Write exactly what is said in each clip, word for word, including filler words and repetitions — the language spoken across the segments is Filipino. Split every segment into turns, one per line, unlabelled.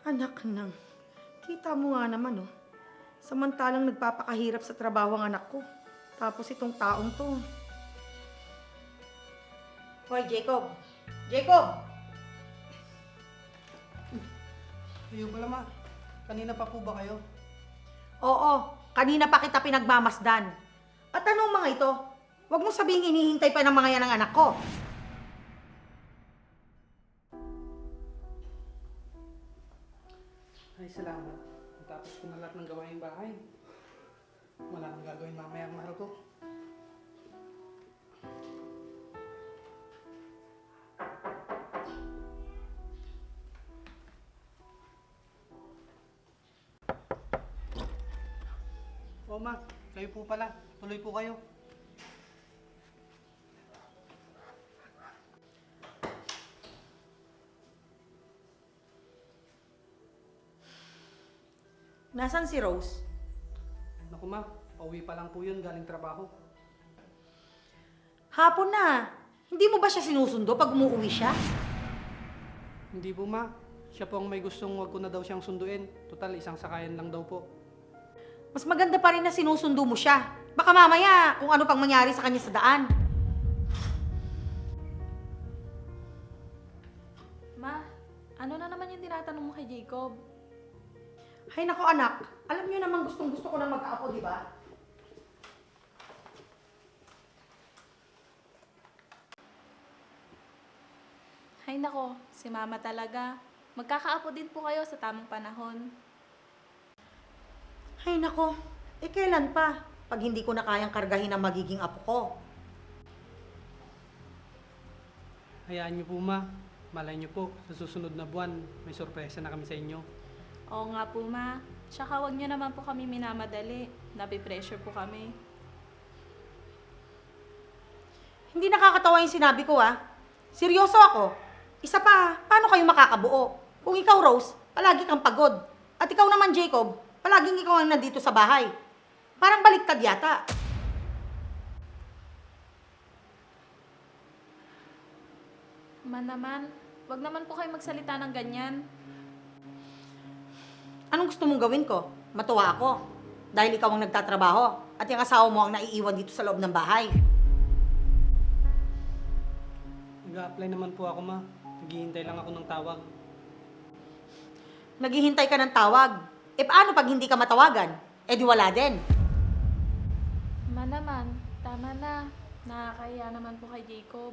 Anak nang, kita mo nga naman, oh. Samantalang nagpapakahirap sa trabaho ang anak ko. Tapos itong taong to. Hoy, Jacob! Jacob!
Kayo pala ma, kanina pa po ba kayo?
Oo, kanina pa kita pinagmamasdan. At anong mga ito? Huwag mo sabihin hinihintay pa ng mga yan ng anak ko.
Ay, salamat. Tapos ko na lahat ng gawaing bahay. Wala nang gagawin mamaya ang mahal ko. O ma, kayo po pala. Tuloy po kayo.
Nasaan si Rose?
Naku ma, pauwi pa lang po yun galing trabaho.
Hapon na. Hindi mo ba siya sinusundo pag umuwi siya?
Hindi po ma, siya po ang may gustong wag ko na daw siyang sunduin. Total, isang sakayan lang daw po.
Mas maganda pa rin na sinusundo mo siya. Baka mamaya kung ano pang mangyari sa kanya sa daan.
Ma, ano na naman yung tinatanong mo kay Jacob?
Ay nako anak, alam niyo naman gustong gusto ko na mag-aapo, di ba?
Hay nako, si Mama talaga. Magkakaapo din po kayo sa tamang panahon.
Ay nako, eh kailan pa? Pag hindi ko na kayang kargahin ang magiging apo ko.
Hayaan niyo po ma, malay niyo po, sa susunod na buwan, may sorpresa na kami sa inyo.
Oo nga po, Ma. Tsaka huwag niyo naman po kami minamadali. Nabipressure po kami.
Hindi nakakatawa yung sinabi ko, ah. Seryoso ako. Isa pa, paano kayo makakabuo? Kung ikaw, Rose, palagi kang pagod. At ikaw naman, Jacob, palaging ikaw ang nandito sa bahay. Parang baliktad yata.
Ma naman, huwag naman po kayo magsalita ng ganyan.
Anong gusto mong gawin ko? Matuwa ako. Dahil ikaw ang nagtatrabaho at yung asawa mo ang naiiwan dito sa loob ng bahay.
Nag-a-apply naman po ako ma, naghihintay lang ako ng tawag.
Naghihintay ka ng tawag. E paano pag hindi ka matawagan? E di wala din.
Ma naman, tama na. Nakakahiya naman po kay Jacob.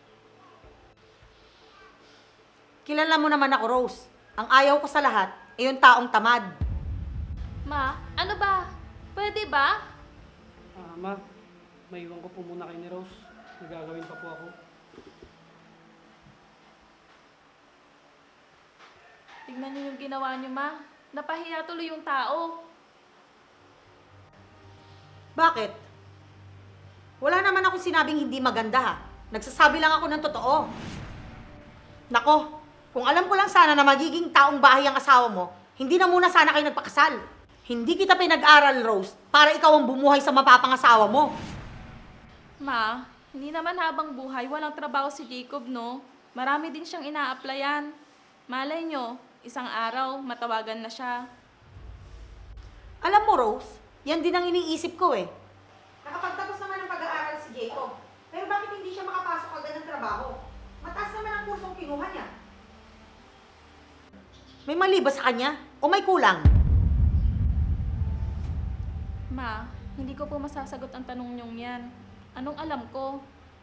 Kilala mo naman ako, Rose. Ang ayaw ko sa lahat ay yung taong tamad.
Ma, ano ba? Pwede ba?
Ah ma, maiwan ko po muna kay ni Rose. Nagagawin pa po ako.
Tignan niyo yung ginawa niyo, Ma. Napahiya tuloy yung tao.
Bakit? Wala naman akong sinabing hindi maganda, ha. Nagsasabi lang ako ng totoo. Nako, kung alam ko lang sana na magiging taong bahay ang asawa mo, hindi na muna sana kayo nagpakasal. Hindi kita pinag-aral, Rose, para ikaw ang bumuhay sa mapapangasawa mo.
Ma, hindi naman habang buhay, walang trabaho si Jacob, no? Marami din siyang ina-applyan. Malay nyo, isang araw, matawagan na siya.
Alam mo, Rose, yan din ang iniisip ko eh. Nakapagtapos naman ng pag-aaral si Jacob, pero bakit hindi siya makapasok agad ng trabaho? Mataas naman ang kursong kinuha niya. May mali ba sa kanya? O may kulang?
Ma, hindi ko po masasagot ang tanong niyong yan. Anong alam ko?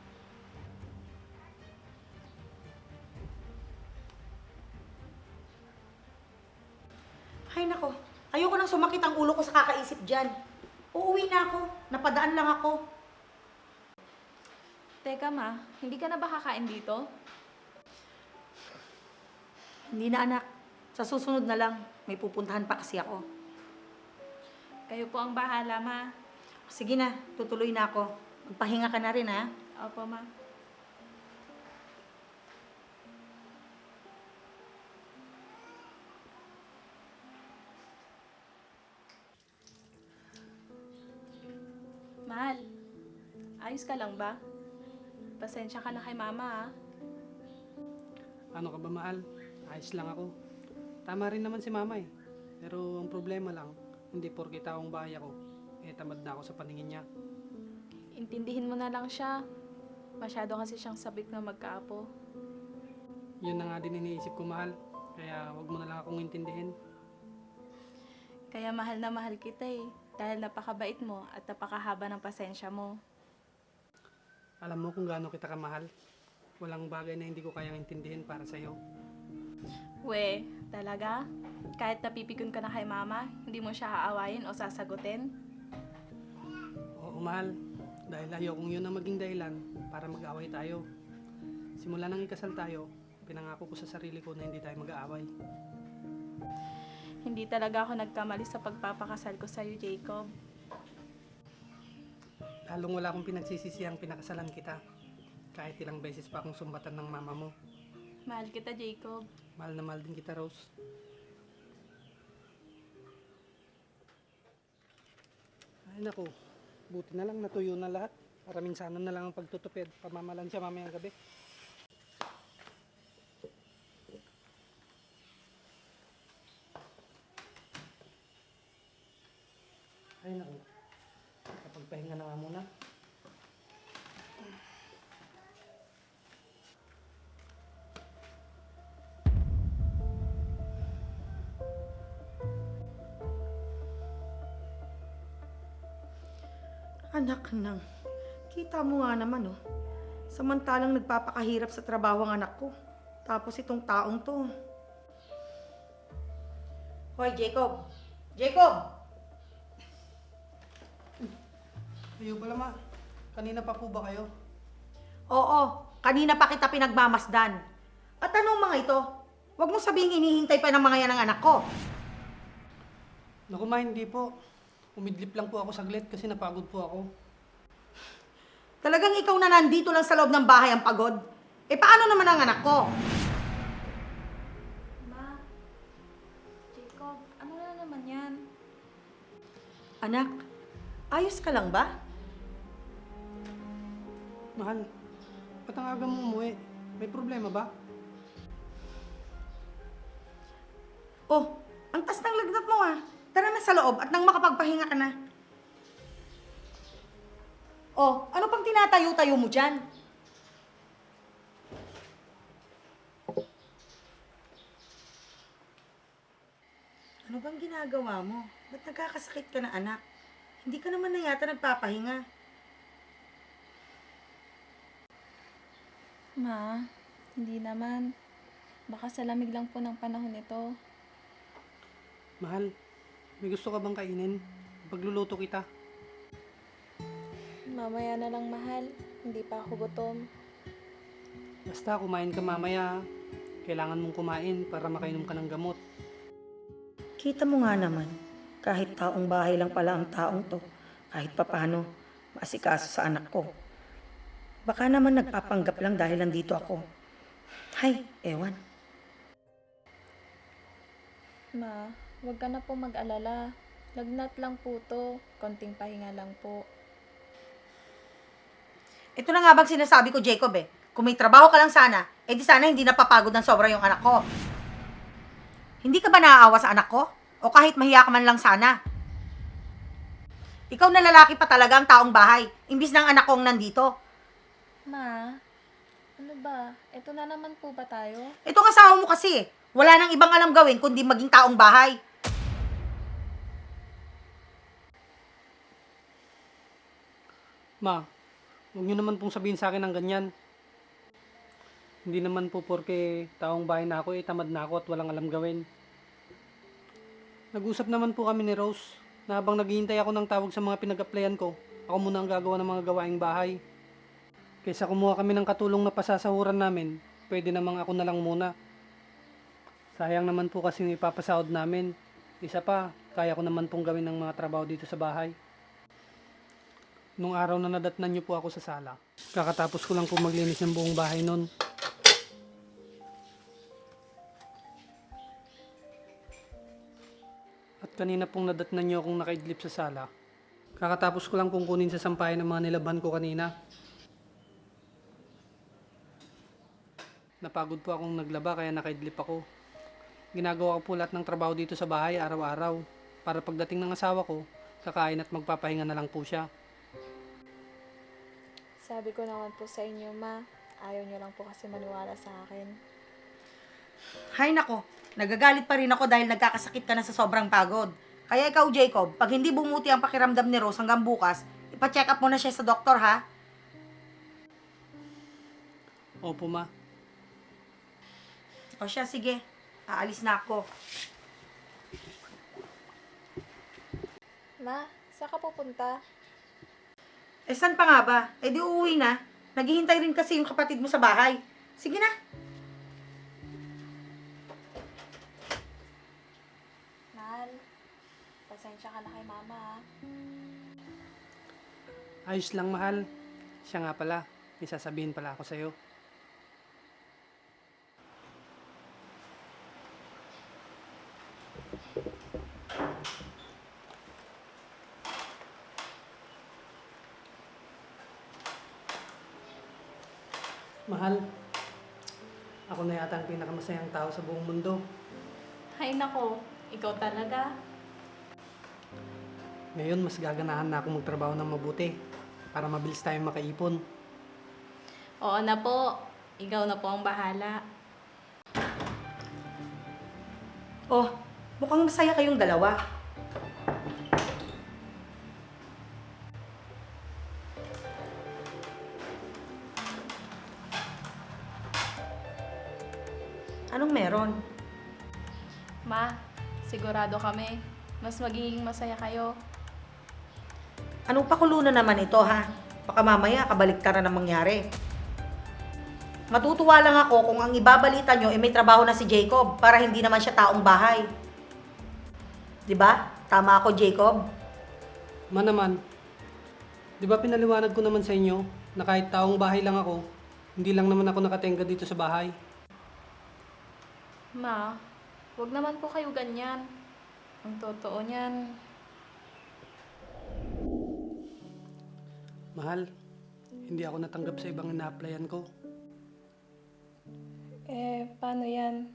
Ay nako, ayoko nang sumakit ang ulo ko sa kakaisip dyan. Uuwi na ako, napadaan lang ako.
Teka, Ma, hindi ka na ba kakain dito?
Hindi na anak, sa susunod na lang, may pupuntahan pa kasi ako.
Kayo po ang bahala, Ma.
Sige na, tutuloy na ako. Magpahinga ka na rin, ha?
Opo, Ma. Mahal, ayos ka lang ba? Pasensya ka na kay Mama, ah.
Ano ka ba mahal? Ayos lang ako. Tama rin naman si mama eh. Pero ang problema lang, hindi porke taong bahay ako, eh tamad na ako sa paningin niya.
Intindihin mo na lang siya. Masyado kasi siyang sabik na magkaapo.
Yun na nga din iniisip ko, mahal. Kaya wag mo na lang akong intindihin.
Kaya mahal na mahal kita eh. Dahil napakabait mo at napakahaba ng pasensya mo.
Alam mo kung gaano kita kamahal. Walang bagay na hindi ko kayang intindihin para sa'yo.
We, talaga? Kahit napipikon ka na kay mama, hindi mo siya aawayin o sasagutin?
Oo, mahal. Dahil ayokong yun ang maging dahilan para mag-away tayo. Simula nang ikasal tayo, pinangako ko sa sarili ko na hindi tayo mag-aaway.
Hindi talaga ako nagkamali sa pagpapakasal ko sa'yo, Jacob.
Lalong wala akong pinagsisisiyang pinakasalan kita. Kahit ilang beses pa akong sumbatan ng mama mo.
Mahal kita, Jacob.
Mahal na mahal din kita, Rose. Ay naku, buti na lang natuyo na lahat. Para minsanan na lang ang pagtutupid. Pamamalan siya mamayang gabi. Ay naku, kapagpahinga na nga muna.
Anak nang, kita mo nga naman oh. Samantalang nagpapakahirap sa trabaho ang anak ko. Tapos itong taong to. Hoy, Jacob! Jacob!
Kayo pala ma, kanina pa po ba kayo?
Oo, kanina pa kita pinagmamasdan. At anong mga ito? Huwag mo sabihin hinihintay pa ng mga yan ng anak ko.
Naku ma, hindi po. Umidlip lang po ako saglit kasi napagod po ako.
Talagang ikaw na nandito lang sa loob ng bahay ang pagod? Eh paano naman ang anak ko?
Ma, Jacob, ano na naman yan?
Anak, ayos ka lang ba?
Mahal, ba't ang aga mo umuwi? May problema ba?
Oh, ang tas ng lagnat mo ah. Tara na sa loob at nang makapagpahinga ka na. Oh, ano pang tinatayo-tayo mo dyan? Ano bang ginagawa mo? Ba't nagkakasakit ka na anak? Hindi ka naman na yata nagpapahinga.
Ma, hindi naman. Baka sa lamig lang po ng panahon ito.
Mahal, may gusto ka bang kainin? Pagluluto kita.
Mamaya na lang, mahal. Hindi pa ako gutom.
Basta kumain ka mamaya. Kailangan mong kumain para makainom ka ng gamot.
Kita mo nga naman, kahit taong bahay lang pala ang taong to, kahit papano, maasikaso sa anak ko. Baka naman nagpapanggap lang dahil nandito ako. Hay, ewan.
Ma, huwag ka na po mag-alala. Lagnat lang po to. Konting pahinga lang po.
Ito na nga bang sinasabi ko, Jacob eh. Kung may trabaho ka lang sana, eh di sana hindi napapagod ng sobra yung anak ko. Hindi ka ba naaawa sa anak ko? O kahit mahiya ka man lang sana? Ikaw na lalaki pa talaga ang taong bahay, imbis ng anak kong nandito.
Ma, ano ba? Ito na naman po ba tayo?
Itong asawa mo kasi, wala nang ibang alam gawin kundi maging taong bahay.
Ma, huwag niyo naman pong sabihin sa akin ng ganyan. Hindi naman po porke taong bahay na ako, eh tamad na ako at walang alam gawin. Nag-usap naman po kami ni Rose na habang naghihintay ako ng tawag sa mga pinag-applyan ko, ako muna ang gagawa ng mga gawaing bahay. Kaysa kumuha kami ng katulong na pasasahuran namin, pwede namang ako na lang muna. Sayang naman po kasi yung ipapasahod namin. Isa pa, kaya ko naman pong gawin ng mga trabaho dito sa bahay. Nung araw na nadatnan niyo po ako sa sala, kakatapos ko lang po maglinis ng buong bahay nun. At kanina pong nadatnan niyo akong nakaidlip sa sala. Kakatapos ko lang pong kunin sa sampayan ng mga nilaban ko kanina. Napagod po akong naglaba kaya nakaidlip ako. ginagawa ko po lahat ng trabaho dito sa bahay araw-araw. Para pagdating ng asawa ko, kakain at magpapahinga na lang po siya.
Sabi ko naman po sa inyo, ma. Ayaw niyo lang po kasi maniwala sa akin.
Hay nako, nagagalit pa rin ako dahil nagkakasakit ka na sa sobrang pagod. Kaya ikaw, Jacob, pag hindi bumuti ang pakiramdam ni Rose hanggang bukas, ipa-check up mo na siya sa doktor, ha?
Opo, ma.
O siya, sige. Aalis na ako.
Ma, saan ka pupunta?
Eh, saan pa nga ba? Eh, di uuwi na. Naghihintay rin kasi yung kapatid mo sa bahay. Sige na.
Mahal, pasensya ka na kay mama, ha?
Ayos lang, mahal. Siya nga pala, may sasabihin pala ako sa'yo. Mahal, ako na yata ang pinakamasayang tao sa buong mundo.
Hay nako, ikaw talaga.
Ngayon, mas gaganahan na ako magtrabaho ng mabuti para mabilis tayong makaipon.
Oo na po, ikaw na po ang bahala.
Oh, mukhang masaya kayong dalawa. Anong meron?
Ma, sigurado kami, mas magiging masaya kayo.
Anong pakulo na naman ito, ha? Baka mamaya kabaliktaran na mangyari. Matutuwa lang ako kung ang ibabalita nyo ay may trabaho na si Jacob para hindi naman siya taong bahay. 'Di ba? Tama ako, Jacob.
Ma naman, di ba pinaliwanag ko naman sa inyo na kahit taong bahay lang ako, hindi lang naman ako nakatenga dito sa bahay.
Ma, wag naman po kayo ganyan. Ang totoo niyan,
Mahal, hindi ako natanggap sa ibang ina-applyan ko.
eh, paano yan?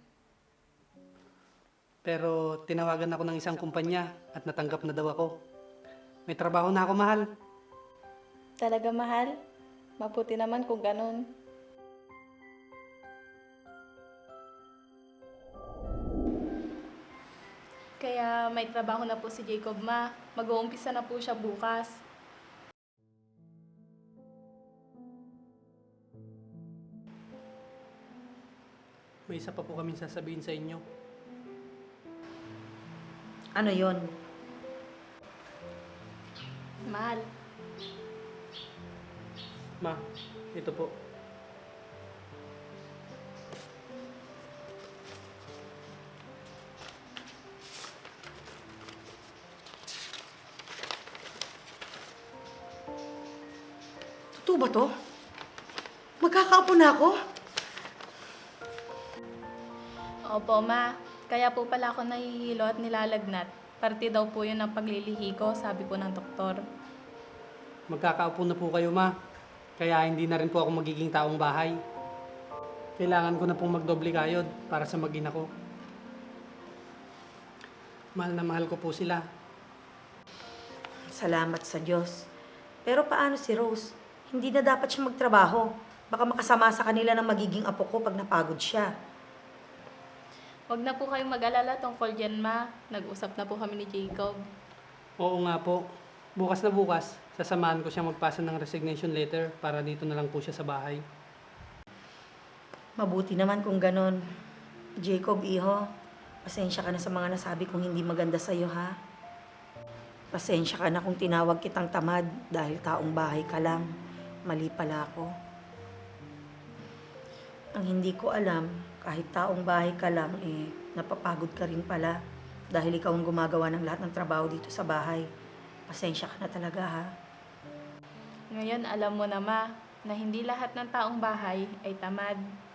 Pero tinawagan ako ng isang kumpanya at natanggap na daw ako. May trabaho na ako, mahal.
Talaga mahal? Mabuti naman kung ganun. Kaya may trabaho na po si Jacob, ma. Mag-uumpisa na po siya bukas.
May isa pa po kaming sasabihin sa inyo.
Ano 'yon?
Mahal,
Ma, ito po.
Totoo ba 'to? Magkakaapo na ako?
opo ma. Kaya po pala ako nahihilo at nilalagnat. Parte daw po yun ng paglilihi ko, sabi po ng doktor.
Magkakaupo na po kayo, ma. Kaya hindi na rin po ako magiging taong bahay. Kailangan ko na pong magdoble kayod para sa mag-ina ko. Mahal na mahal ko po sila.
Salamat sa Diyos. Pero paano si Rose? Hindi na dapat siya magtrabaho. Baka makasama sa kanila ng magiging apo ko pag napagod siya.
Huwag na po kayong mag-alala tungkol dyan, ma. Nag-usap na po kami ni Jacob.
Oo nga po. Bukas na bukas, sasamahan ko siya magpasa ng resignation letter para dito na lang po siya sa bahay.
Mabuti naman kung ganon. Jacob, iho, pasensya ka na sa mga nasabi kong hindi maganda sa'yo, ha? Pasensya ka na kung tinawag kitang tamad dahil taong bahay ka lang. Mali pala ako. Ang hindi ko alam, kahit taong bahay ka lang, eh, napapagod ka rin pala dahil ikaw ang gumagawa ng lahat ng trabaho dito sa bahay. Pasensya ka na talaga, ha?
Ngayon, alam mo na, ma, na hindi lahat ng taong bahay ay tamad.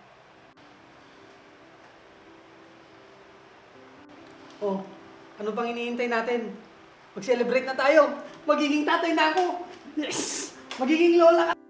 Oh, ano pang iniintay natin? Mag-celebrate na tayo! Magiging tatay na ako! Yes! Magiging lola ka!